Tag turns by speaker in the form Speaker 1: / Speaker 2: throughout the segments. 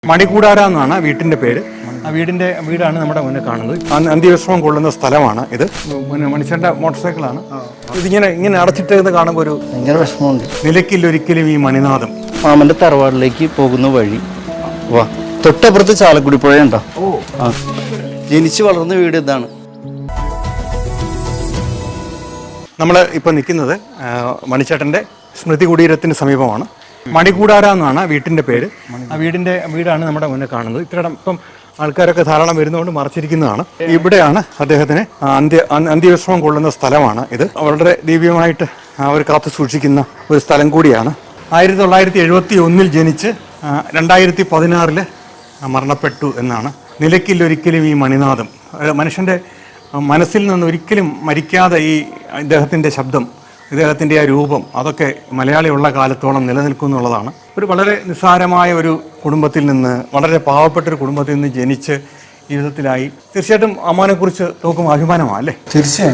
Speaker 1: മണികൂടാര എന്നാണ് വീട്ടിൻ്റെ പേര്. ആ വീടാണ് നമ്മുടെ മുന്നിൽ കാണുന്നത്. അന്ത്യവിശ്രമം കൊള്ളുന്ന സ്ഥലമാണ് ഇത്. പിന്നെ മനുഷ്യൻ്റെ മോട്ടോർ സൈക്കിളാണ്. ഇതിങ്ങനെ അടച്ചിട്ടേന്ന് കാണുമ്പോൾ ഒരു
Speaker 2: ഭയങ്കര വിഷമമുണ്ട്.
Speaker 1: നിലയ്ക്കില്ലൊരിക്കലും ഈ മണിനാഥം.
Speaker 2: മാമന്റെ തറവാടിലേക്ക് പോകുന്ന വഴി വാ, തൊട്ടപ്പുറത്ത് ചാലക്കുടി പുഴയുണ്ടോ? ആ, ജനിച്ചു വളർന്ന വീട് ഇതാണ്.
Speaker 1: നമ്മൾ ഇപ്പോൾ നിൽക്കുന്നത് മണിച്ചേട്ടൻ്റെ സ്മൃതി കുടീരത്തിന് സമീപമാണ്. മണികൂടാര എന്നാണ് വീട്ടിൻ്റെ പേര്. ആ വീടാണ് നമ്മുടെ മുന്നിൽ കാണുന്നത്. ഇപ്പം ആൾക്കാരൊക്കെ ധാരാളം വരുന്നതുകൊണ്ട് മറച്ചിരിക്കുന്നതാണ്. ഇവിടെയാണ് അദ്ദേഹത്തിന് അന്ത്യവിശ്രമം കൊള്ളുന്ന സ്ഥലമാണ് ഇത്. വളരെ ദിവ്യമായിട്ട് അവർ കാത്തു സൂക്ഷിക്കുന്ന ഒരു സ്ഥലം കൂടിയാണ്. 1971 ജനിച്ച് 2016 മരണപ്പെട്ടു എന്നാണ്. നിലയ്ക്കില്ലൊരിക്കലും ഈ മണിനാഥം. മനുഷ്യൻ്റെ മനസ്സിൽ നിന്ന് ഒരിക്കലും മരിക്കാതെ ഈ ഇദ്ദേഹത്തിൻ്റെ ശബ്ദം, ഇദ്ദേഹത്തിൻ്റെ ആ രൂപം, അതൊക്കെ മലയാളിയുള്ള കാലത്തോളം നിലനിൽക്കും എന്നുള്ളതാണ്. ഒരു വളരെ നിസ്സാരമായ ഒരു കുടുംബത്തിൽ നിന്ന്, വളരെ പാവപ്പെട്ടൊരു കുടുംബത്തിൽ നിന്ന് ജനിച്ച് ജീവിതത്തിലായി. തീർച്ചയായിട്ടും അമ്മാനെക്കുറിച്ച് നോക്കുമ്പോൾ അഭിമാനമാണ് അല്ലേ?
Speaker 2: തീർച്ചയായും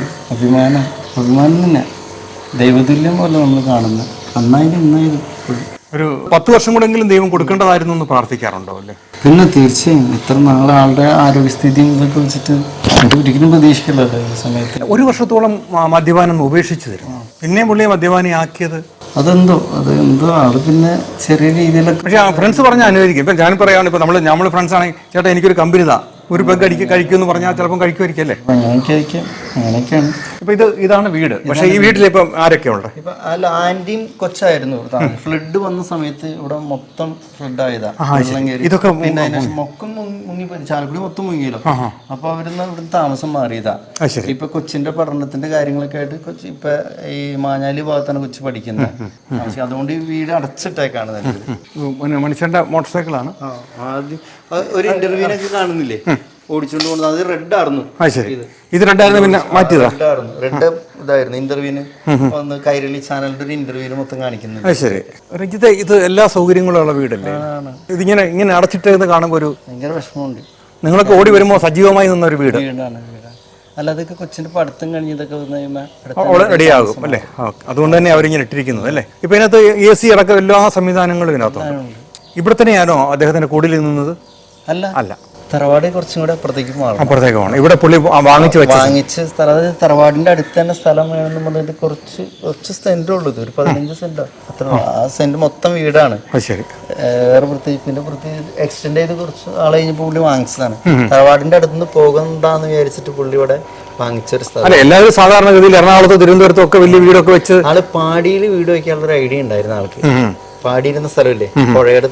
Speaker 2: അഭിമാനം തന്നെ. ദൈവതുല്യം പോലെ നമ്മൾ കാണുന്നത്. നന്നായി
Speaker 1: ഒരു 10 വർഷം കൂടെങ്കിലും ദൈവം കൊടുക്കേണ്ടതായിരുന്നു എന്ന് പ്രാർത്ഥിക്കാറുണ്ടോ അല്ലേ?
Speaker 2: പിന്നെ തീർച്ചയായും ഇത്ര നാളെ ആളുടെ ആരോഗ്യസ്ഥിതിയും ഇതൊക്കെ വെച്ചിട്ട് ഒരിക്കലും പ്രതീക്ഷിക്കില്ലല്ലോ ഈ സമയത്ത്.
Speaker 1: 1 വർഷത്തോളം മദ്യപാനം ഉപേക്ഷിച്ചു തരും. പിന്നെ പുള്ളിയെ മദ്യപാനിയാക്കിയത്
Speaker 2: അതെന്തോ ആള് പിന്നെ ചെറിയ രീതിയിലൊക്കെ. പക്ഷേ
Speaker 1: ഫ്രണ്ട്സ് പറഞ്ഞാൽ അനുവദിക്കും. ഇപ്പം ഞാൻ പറയുകയാണ്, ഇപ്പം നമ്മൾ ഫ്രണ്ട്സ് ആണെങ്കിൽ ചേട്ടാ എനിക്കൊരു കമ്പനി താ, ഒരു പെഗ് കഴിക്കുമെന്ന് പറഞ്ഞാൽ ചിലപ്പം കഴിക്കുമായിരിക്കും അല്ലേ?
Speaker 2: അങ്ങനെയൊക്കെയാണ്.
Speaker 1: ഇപ്പം ഇതാണ് വീട്. പക്ഷേ ഈ വീട്ടിൽ ഇപ്പം ആരൊക്കെ ഉണ്ട്?
Speaker 2: ഇപ്പം അല്ല, ആന്റിയും കൊച്ചായിരുന്നു. ഫ്ലഡ് വന്ന സമയത്ത് ഇവിടെ മൊത്തം ഫ്ലഡ് ആയതാ.
Speaker 1: ഇതൊക്കെ
Speaker 2: പിന്നെ മൊക്കം മുങ്ങി, ചാലക്കുടി മൊത്തം മുങ്ങിയല്ലോ. അപ്പൊ അവരിന്ന് ഇവിടുന്ന് താമസം മാറിയതാ. ഇപ്പൊ കൊച്ചിന്റെ പഠനത്തിന്റെ കാര്യങ്ങളൊക്കെ ആയിട്ട് ഇപ്പൊ ഈ മാഞ്ഞാലി ഭാഗത്താണ് കൊച്ചു പഠിക്കുന്നത്. അതുകൊണ്ട് ഈ വീട് അടച്ചിട്ടേക്കാണ്.
Speaker 1: മനുഷ്യന്റെ മോട്ടോർ സൈക്കിളാണ്.
Speaker 2: ആദ്യം ഒരു ഇന്റർവ്യൂവിനൊക്കെ കാണുന്നില്ലേ ഓടിച്ചോണ്ട് പോകുന്നത്, അത് റെഡ് ആയിരുന്നു.
Speaker 1: ഇത് റെഡായിരുന്നു, പിന്നെ മാറ്റിയതാ.
Speaker 2: റെഡ് ഇതായിരുന്നു ഇന്റർവ്യൂവിന് വന്ന് കൈരളി ചാനലിന്റെ ഒരു ഇന്റർവ്യൂവിന് മൊത്തം കാണിക്കുന്നത്.
Speaker 1: ശരി. രഞ്ജിത്തെ, ഇത് എല്ലാ സൗകര്യങ്ങളും ഉള്ള വീടല്ലേ? ഇതിങ്ങനെ അടച്ചിട്ടേന്ന് കാണുമ്പോൾ ഒരു
Speaker 2: ഭയങ്കര വിഷമമുണ്ട്.
Speaker 1: നിങ്ങളൊക്കെ ഓടി വരുമ്പോൾ സജീവമായി നിന്ന ഒരു വീടാണ്.
Speaker 2: അല്ല, അതൊക്കെ കൊച്ചിന്റെ പഠിത്തം കഴിഞ്ഞതൊക്കെ
Speaker 1: റെഡിയാകും അല്ലേ? അതുകൊണ്ട് തന്നെ അവരിങ്ങനെ ഇട്ടിരിക്കുന്നത് അല്ലേ? ഇപ്പൊ ഇതിനകത്ത് AC അടക്കം എല്ലാ സംവിധാനങ്ങളും ഇതിനകത്തുണ്ട്. ഇവിടെ തന്നെയാണോ അദ്ദേഹത്തിന്റെ കൂടിൽ നിന്നത്?
Speaker 2: അല്ല, തറവാട് കുറച്ചും കൂടെ അപ്പുറത്തേക്ക്
Speaker 1: പോകണം. ഇവിടെ പുള്ളി വാങ്ങിച്ച്
Speaker 2: തറവാടിന്റെ അടുത്ത് തന്നെ സ്ഥലം വേണമെന്ന് പറഞ്ഞിട്ട് കുറച്ച് സെന്റ് ഉള്ളത്, ഒരു 15 സെന്റ് അത്ര. ആ സെന്റ് മൊത്തം വീടാണ്. വേറെ പ്രത്യേകിച്ച് എക്സ്റ്റെൻഡ് ചെയ്ത് കുറച്ച് ആൾ കഴിഞ്ഞപ്പോൾ പുള്ളി വാങ്ങിച്ചതാണ്. തറവാടിന്റെ അടുത്തുനിന്ന് പോകണ്ടെന്ന് വിചാരിച്ചിട്ട് പുള്ളി ഇവിടെ വാങ്ങിച്ചൊരു സ്ഥലം.
Speaker 1: എല്ലാവരും സാധാരണഗതിയിൽ എറണാകുളത്ത്, തിരുവനന്തപുരത്തും ഒക്കെ വലിയ വീടൊക്കെ വെച്ച്
Speaker 2: ആള് പാടിയിൽ വീട് വെക്കാനുള്ള ഒരു ഐഡിയ ഉണ്ടായിരുന്നു ആൾക്ക്. പാടിയിരുന്ന സ്ഥലമില്ലേ, പുഴയുടെ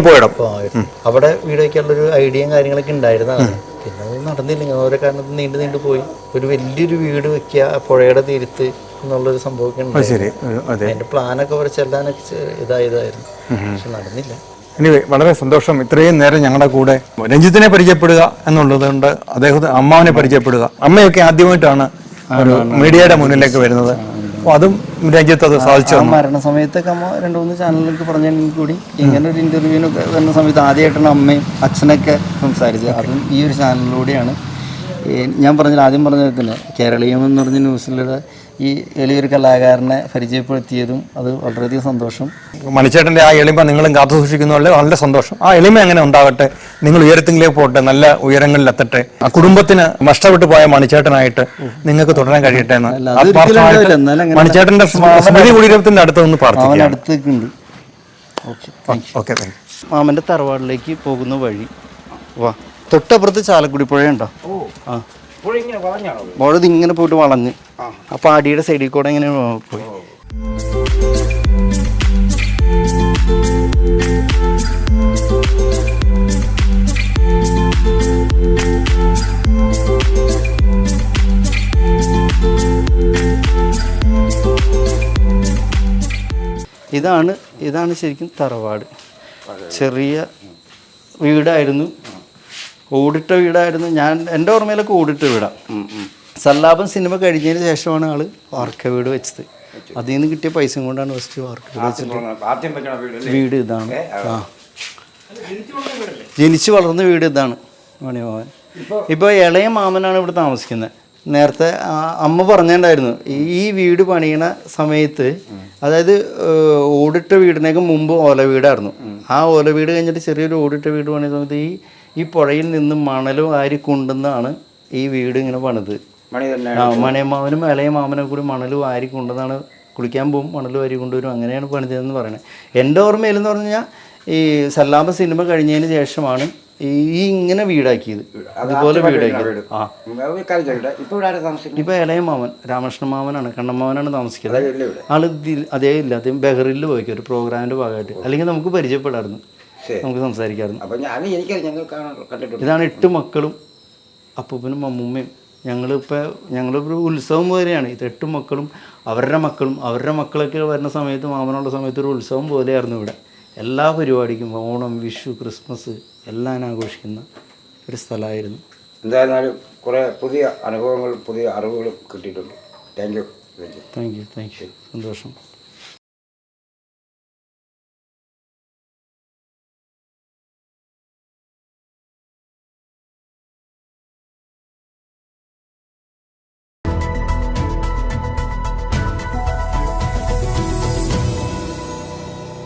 Speaker 2: അവിടെ വീട് വയ്ക്കാനുള്ളൊരു ഐഡിയയും കാര്യങ്ങളൊക്കെ ഉണ്ടായിരുന്നതാണ്. പിന്നെ അത് നടന്നില്ല, ഓരോ കാരണത്തിൽ നീണ്ടു പോയി. ഒരു വലിയൊരു വീട് വെക്കുക പുഴയുടെ തീരത്ത് എന്നുള്ളൊരു സംഭവമൊക്കെ ഉണ്ടായി. അതിന്റെ പ്ലാനൊക്കെ അവിടെ ചെല്ലാനൊക്കെ ഇതായതായിരുന്നു, പക്ഷെ നടന്നില്ല.
Speaker 1: വളരെ സന്തോഷം. ഇത്രയും നേരം ഞങ്ങളുടെ കൂടെ രഞ്ജിത്തിനെ പരിചയപ്പെടുക എന്നുള്ളതുകൊണ്ട് അദ്ദേഹത്തെ അമ്മാവനെ പരിചയപ്പെടുക. അമ്മയൊക്കെ ആദ്യമായിട്ടാണ് ഒരു മീഡിയയുടെ മുന്നിലേക്ക് വരുന്നത്. അതും രഞ്ജിത്ത് അത് സാധിച്ചു.
Speaker 2: മരണ സമയത്തൊക്കെ അമ്മ 2-3 ചാനലിലേക്ക് പറഞ്ഞെങ്കിൽ കൂടി ഇങ്ങനെ ഒരു ഇന്റർവ്യൂവിനൊക്കെ വരുന്ന സമയത്ത് ആദ്യമായിട്ടാണ് അമ്മയും അച്ഛനൊക്കെ സംസാരിച്ചത്. അതും ഈ ഒരു ചാനലിലൂടെയാണ്. ഞാൻ ആദ്യം പറഞ്ഞത് തന്നെ കേരളീയം എന്ന് പറഞ്ഞ ന്യൂസിലൂടെ ഈ എളിയൊരു കലാകാരനെ പരിചയപ്പെടുത്തിയതും അത് വളരെയധികം സന്തോഷം.
Speaker 1: മണിച്ചേട്ടൻ്റെ ആ എളിമ നിങ്ങളും കാത്തു സൂക്ഷിക്കുന്നതിൽ വളരെ സന്തോഷം. ആ എളിമ എങ്ങനെ ഉണ്ടാകട്ടെ, നിങ്ങൾ ഉയരത്തിലേക്ക് പോകട്ടെ, നല്ല ഉയരങ്ങളിൽ എത്തട്ടെ. ആ കുടുംബത്തിന് നഷ്ടപ്പെട്ടു പോയ മണിച്ചേട്ടനായിട്ട് നിങ്ങൾക്ക് തുടരാൻ കഴിയട്ടെ എന്ന് മണിച്ചേട്ടന്റെ സ്മൃതി കുടീരത്തിന്റെ അടുത്തൊന്ന് പ്രാർത്ഥിക്കാം.
Speaker 2: മാമന്റെ തറവാടിലേക്ക് പോകുന്ന വഴി വാ, തൊട്ടപ്പുറത്ത് ചാലക്കുടി പുഴയുണ്ടോ? ഇങ്ങനെ പോയിട്ട് വളഞ്ഞ് ആ പാടിയുടെ സൈഡിൽ കൂടെ ഇങ്ങനെ പോയി. ഇതാണ് ശരിക്കും തറവാട്. ചെറിയ വീടായിരുന്നു, ഓടിട്ട വീടായിരുന്നു. എൻ്റെ ഓർമ്മയിലൊക്കെ ഓടിട്ട വീടാണ്. സല്ലാപം സിനിമ കഴിഞ്ഞതിന് ശേഷമാണ് ആള് വാർക്ക വീട് വെച്ചത്. അതിൽ നിന്ന് കിട്ടിയ പൈസ കൊണ്ടാണ് ഫസ്റ്റ് വാർക്ക വീട് വെച്ചിട്ട് വീട് ഇതാണ്. ജനിച്ചു വളർന്ന വീട് ഇതാണ് മണിമാമൻ. ഇപ്പോൾ ഇളയ മാമനാണ് ഇവിടെ താമസിക്കുന്നത്. നേരത്തെ അമ്മ പറഞ്ഞിട്ടുണ്ടായിരുന്നു ഈ വീട് പണിയണ സമയത്ത്, അതായത് ഓടിട്ട വീടിനേക്ക് മുമ്പ് ഓല വീടായിരുന്നു. ആ ഓല വീട് കഴിഞ്ഞിട്ട് ചെറിയൊരു ഓടിട്ട വീട് പണിയ സമയത്ത് ഈ പുഴയിൽ നിന്ന് മണലും ആരി കൊണ്ടുവന്നാണ് ഈ വീട് ഇങ്ങനെ പണിത്. മണിയമ്മാവനും ഇളയ മാമനും കൂടി മണൽ വാരി കൊണ്ടുവന്നാണ്, കുളിക്കാൻ പോകും മണൽ വാരി കൊണ്ടുവരും, അങ്ങനെയാണ് പണിതതെന്ന് പറയുന്നത്. എൻ്റെ ഓർമ്മയിലെന്ന് പറഞ്ഞു കഴിഞ്ഞാൽ ഈ സല്ലാപ സിനിമ കഴിഞ്ഞതിന് ശേഷമാണ് ഈ ഇങ്ങനെ വീടാക്കിയത്, ഇതുപോലെ വീടാക്കിയത്. ഇപ്പൊ ഇളയ മാമൻ രാമകൃഷ്ണ മാമനാണ്, കണ്ണമാമനാണ് താമസിക്കുന്നത്. ആള് അതേ ഇല്ല, അദ്ദേഹം ബഹറിൽ പോയിക്കും ഒരു പ്രോഗ്രാമിന്റെ ഭാഗമായിട്ട്. അല്ലെങ്കിൽ നമുക്ക് പരിചയപ്പെടായിരുന്നു, നമുക്ക് സംസാരിക്കാമായിരുന്നു. ഇതാണ് 8 മക്കളും അപ്പൂപ്പനും അമ്മൂമ്മയും. ഞങ്ങളൊരു ഉത്സവം പോലെയാണ് ഇത്. 8 മക്കളും അവരുടെ മക്കളൊക്കെ വരുന്ന സമയത്ത്, മാമനുള്ള സമയത്ത് ഒരു ഉത്സവം പോലെയായിരുന്നു ഇവിടെ. എല്ലാ പരിപാടിക്കും ഓണം, വിഷു, ക്രിസ്മസ് എല്ലാം ആഘോഷിക്കുന്ന ഒരു സ്ഥലമായിരുന്നു.
Speaker 3: എന്തായിരുന്നാലും കുറേ പുതിയ അനുഭവങ്ങളും പുതിയ അറിവുകളും കിട്ടിയിട്ടുണ്ട്. Thank you.
Speaker 2: സന്തോഷം.